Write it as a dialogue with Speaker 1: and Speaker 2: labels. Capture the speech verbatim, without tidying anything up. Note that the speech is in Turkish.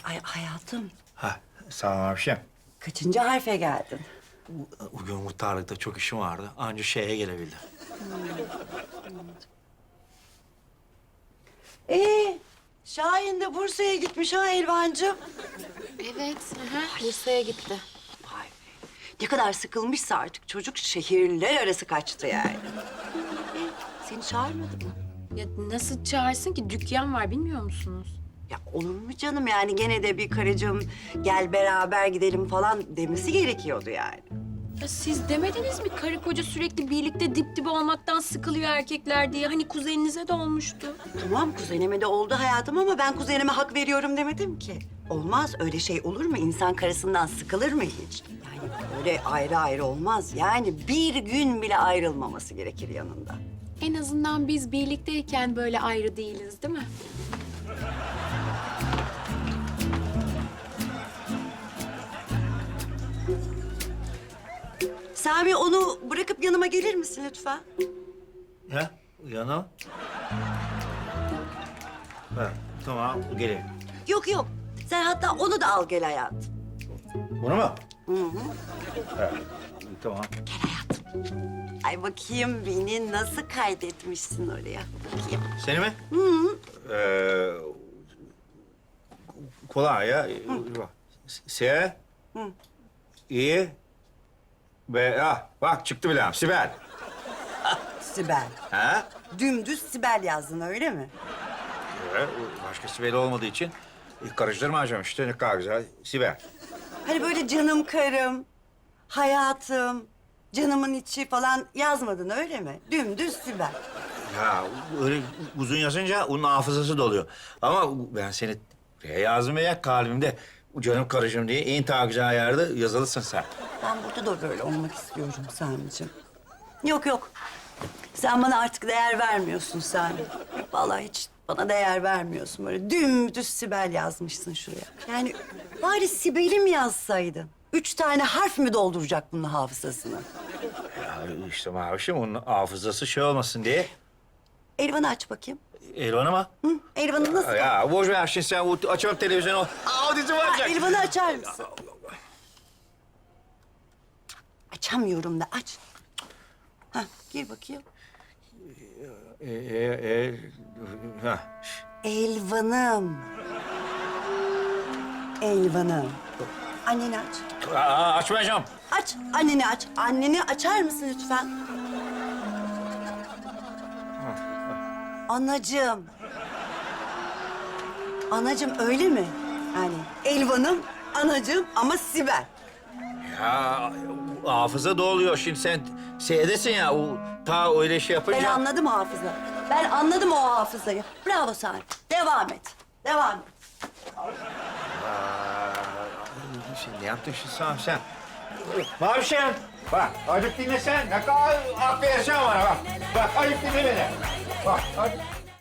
Speaker 1: Ay hayatım,
Speaker 2: Ha, sağ ol abişim.
Speaker 1: kaçıncı harfe geldin?
Speaker 2: Bugün muhtarlıkta çok işim vardı. Anca şeye gelebildim.
Speaker 1: Ee, Şahin de Bursa'ya gitmiş ha Elvancığım.
Speaker 3: Evet, aha, Bursa'ya gitti.
Speaker 1: Vay be. Ne kadar sıkılmışsa artık çocuk şehirler arası kaçtı yani. Ee, seni çağırmadı mı?
Speaker 3: Ya nasıl çağırsın ki? Dükkan var, bilmiyor musunuz?
Speaker 1: Ya olur mu canım yani gene de bir karıcığım gel beraber gidelim falan demesi gerekiyordu yani.
Speaker 3: Ya siz demediniz mi karı koca sürekli birlikte dip dibe olmaktan sıkılıyor erkekler diye? Hani kuzeninize de olmuştu.
Speaker 1: Tamam kuzenime de oldu hayatım ama ben kuzenime hak veriyorum demedim ki. Olmaz öyle şey olur mu? İnsan karısından sıkılır mı hiç? Yani böyle ayrı ayrı olmaz. Yani bir gün bile ayrılmaması gerekir yanında.
Speaker 3: En azından biz birlikteyken böyle ayrı değiliz, değil mi?
Speaker 1: Sami onu bırakıp yanıma gelir misin lütfen?
Speaker 2: Ha? Yana. Ha, tamam, geleyim.
Speaker 1: Yok yok. Sen hatta onu da al gel hayatım.
Speaker 2: Bunu mu?
Speaker 1: Hı hı.
Speaker 2: Ha, tamam.
Speaker 1: Ay bakayım beni nasıl kaydetmişsin oraya. Bakayım.
Speaker 2: Seni mi?
Speaker 1: Hı hı.
Speaker 2: Ee, kolay ya. S,
Speaker 1: Hı.
Speaker 2: İ, B, ah, bak çıktı bile. Sibel.
Speaker 1: Sibel.
Speaker 2: Ha?
Speaker 1: Dümdüz Sibel yazdın öyle mi?
Speaker 2: Evet, başka Sibel olmadığı için e, karıştırmayacağım işte. Ne kadar güzel. Sibel.
Speaker 1: Hani böyle canım karım, hayatım, canımın içi falan yazmadın öyle mi? Dümdüz Sibel.
Speaker 2: Ya öyle uzun yazınca onun hafızası doluyor. Ama ben seni buraya yazdım ya kalbimde. Canım karıcığım diye en ta güzel yerde yazılısın sen.
Speaker 1: Ben burada da böyle olmak istiyorum Sami'ciğim. Yok yok. Sen bana artık değer vermiyorsun Sami. Vallahi hiç bana değer vermiyorsun. Böyle dümdüz Sibel yazmışsın şuraya. Yani bari Sibel'im yazsaydın. Üç tane harf mi dolduracak bunun hafızasını?
Speaker 2: Ya işte Mavişim onun hafızası şey olmasın diye.
Speaker 1: Elvan'ı aç bakayım.
Speaker 2: Elvan'a mı?
Speaker 1: Hı? Elvan'ı nasıl?
Speaker 2: Ya boş ver şimdi sen o- açalım televizyonu. Aa dizi
Speaker 1: Aa,
Speaker 2: varacak.
Speaker 1: Elvan'ı açar mısın? Açamıyorum da aç. Hah, gir bakayım.
Speaker 2: E, e, e, ha.
Speaker 1: Elvan'ım. Elvan'ım. Anneni aç.
Speaker 2: Aa, açmayacağım.
Speaker 1: Aç, anneni aç. Anneni açar mısın lütfen? Anacığım. Anacığım öyle mi? Yani Elvan'ım, anacığım ama Sibel.
Speaker 2: Ya hafıza doluyor şimdi sen seyredesin ya o ta öyle şey
Speaker 1: Ben
Speaker 2: yapınca.
Speaker 1: anladım o hafıza. Ben anladım o hafızayı. Bravo Sami. Devam et. Devam et.
Speaker 2: Aa, şimdi ne yaptın şimdi sen sen? Mavişim bak azıcık dinle sen. Ne kadar hak verirsen bana bak. Bak azıcık dinle beni. Bak azıcık.